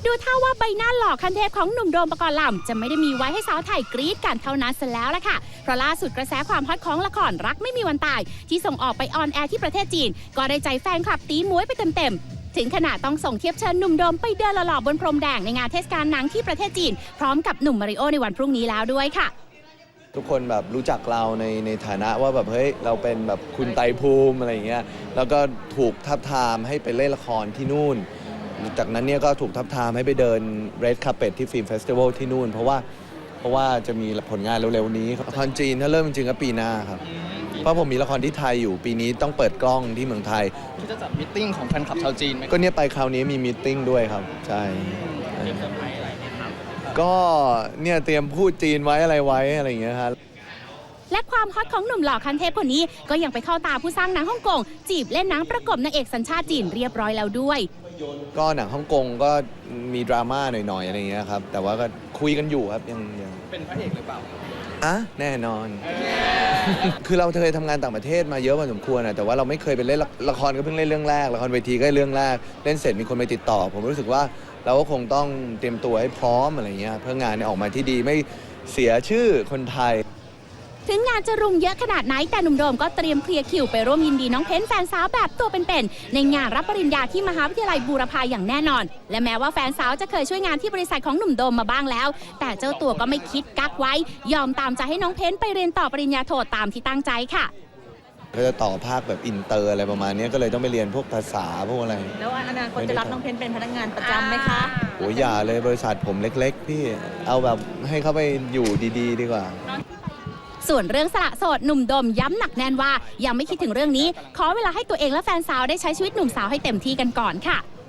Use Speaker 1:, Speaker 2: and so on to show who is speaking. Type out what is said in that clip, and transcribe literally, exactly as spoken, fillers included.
Speaker 1: ดูท่าว่าใบหน้าหล่อคันเทพของหนุ่มโดมปกรณ์ลำจะไม่ได้มีไว้ให้สาวไทยกรี๊ดกันเท่านั้นซะแล้วล่ะค่ะเพราะล่าสุดกระแสความฮอตของละครรักไม่มีวันตายที่ส่งออกไปออนแอร์ที่ประเทศจีนก็ได้ใจแฟนคลับตีม้วยไปเต็มๆถึงขนาดต้องส่งเทียบเชิญหนุ่มโดมไปเดินหล่อๆบนพรมแดงในงานเทศกาลหนังที่ประเทศจีนพร้อมกับหนุ่มมาริโอในวันพรุ่งนี้แล้วด้วยค่ะ
Speaker 2: ทุกคนแบบรู้จักเราในในฐานะว่าแบบเฮ้ยเราเป็นแบบคุณไตรภูมิอะไรอย่างเงี้ยแล้วก็ถูกทับทามให้ไปเล่นละครที่นู่นจากนั้นเนี่ยก็ถูกทับทามให้ไปเดิน Red Carpet ที่ฟิล์มเฟสติวัลที่นู่นเพราะว่าเพราะว่าจะมีผลงานเร็วๆนี้ละครจีนถ้าเริ่มจริงๆก็ปีหน้าครับเพราะผมมีละครที่ไทยอยู่ปีนี้ต้องเปิดกล้องที่เมืองไทย
Speaker 3: ที่จะจัดมิทติ้งของแฟนคลับชาวจีนไหม
Speaker 2: ก็เนี่ยไปคราวนี้มีมีตติ้งด้วยครับใช่
Speaker 3: เตรียมเซอร์ไพรส์อะไรไหมครับ
Speaker 2: ก็เนี่ยเตรียมพูดจีนไว้อะไรไว้อะไรอย่างเงี้ยครับ
Speaker 1: และความฮอตของหนุ่มหล่อคันเทพคนนี้ก็ยังไปเข้าตาผู้สร้างหนังฮ่องกงจีบเล่นหนังประกบนางเอกสัญชาติจีนเรียบร้อยแล้วด้วย
Speaker 2: ก็หนังฮ่องกงก็มีดราม่าหน่อยๆอะไรอย่างเงี้ยครับแต่ว่าก็คุยกันอยู่ครับยังยัง
Speaker 3: เป็นพระเอกหรือเปล่า
Speaker 2: อ่ะแน่นอน คือเราเคยทำงานต่างประเทศมาเยอะพอสมควรนะแต่ว่าเราไม่เคยไปเล่นละครก็เพิ่งเล่นเรื่องแรกละครเวทีก็เรื่องแรกเล่นเสร็จมีคนไปติดต่อผมรู้สึกว่าเราก็คงต้องเตรียมตัวให้พร้อมอะไรเงี้ยเพื่องานเนี่ยออกมาที่ดีไม่เสียชื่อคนไทย
Speaker 1: ถึงงานจะรุมเยอะขนาดไหนแต่หนุ่มโดมก็เตรียมเคลียร์คิวไปร่วมยินดีน้องเพ้นแฟนสาวแบบตัวเป็นๆในงานรับปริญญาที่มหาวิทยาลัยบูรพาอย่างแน่นอนและแม้ว่าแฟนสาวจะเคยช่วยงานที่บริษัทของหนุ่มโดมมาบ้างแล้วแต่เจ้าตัวก็ไม่คิดกักไว้ยอมตามใจให้น้องเพ้นไปเรียนต่อปริญญาโทตามที่ตั้งใจค่ะ
Speaker 2: ก็จะต่อภาคแบบอินเตอร์อะไรประมาณนี้ก็เลยต้องไปเรียนพวกภาษาพวกอะไร
Speaker 4: แล้วอนาคตจะรับน้องเพ้นเป็นพนักงานประจำไหมคะ
Speaker 2: โอ้ยอย่าเลยบริษัทผมเล็กๆพี่เอาแบบให้เขาไปอยู่ดีๆดีกว่า
Speaker 1: ส่วนเรื่องสละโสดหนุ่มโดมย้ำหนักแน่นว่ายังไม่คิดถึงเรื่องนี้ขอเวลาให้ตัวเองและแฟนสาวได้ใช้ชีวิตหนุ่มสาวให้เต็มที่กันก่อนค่ะ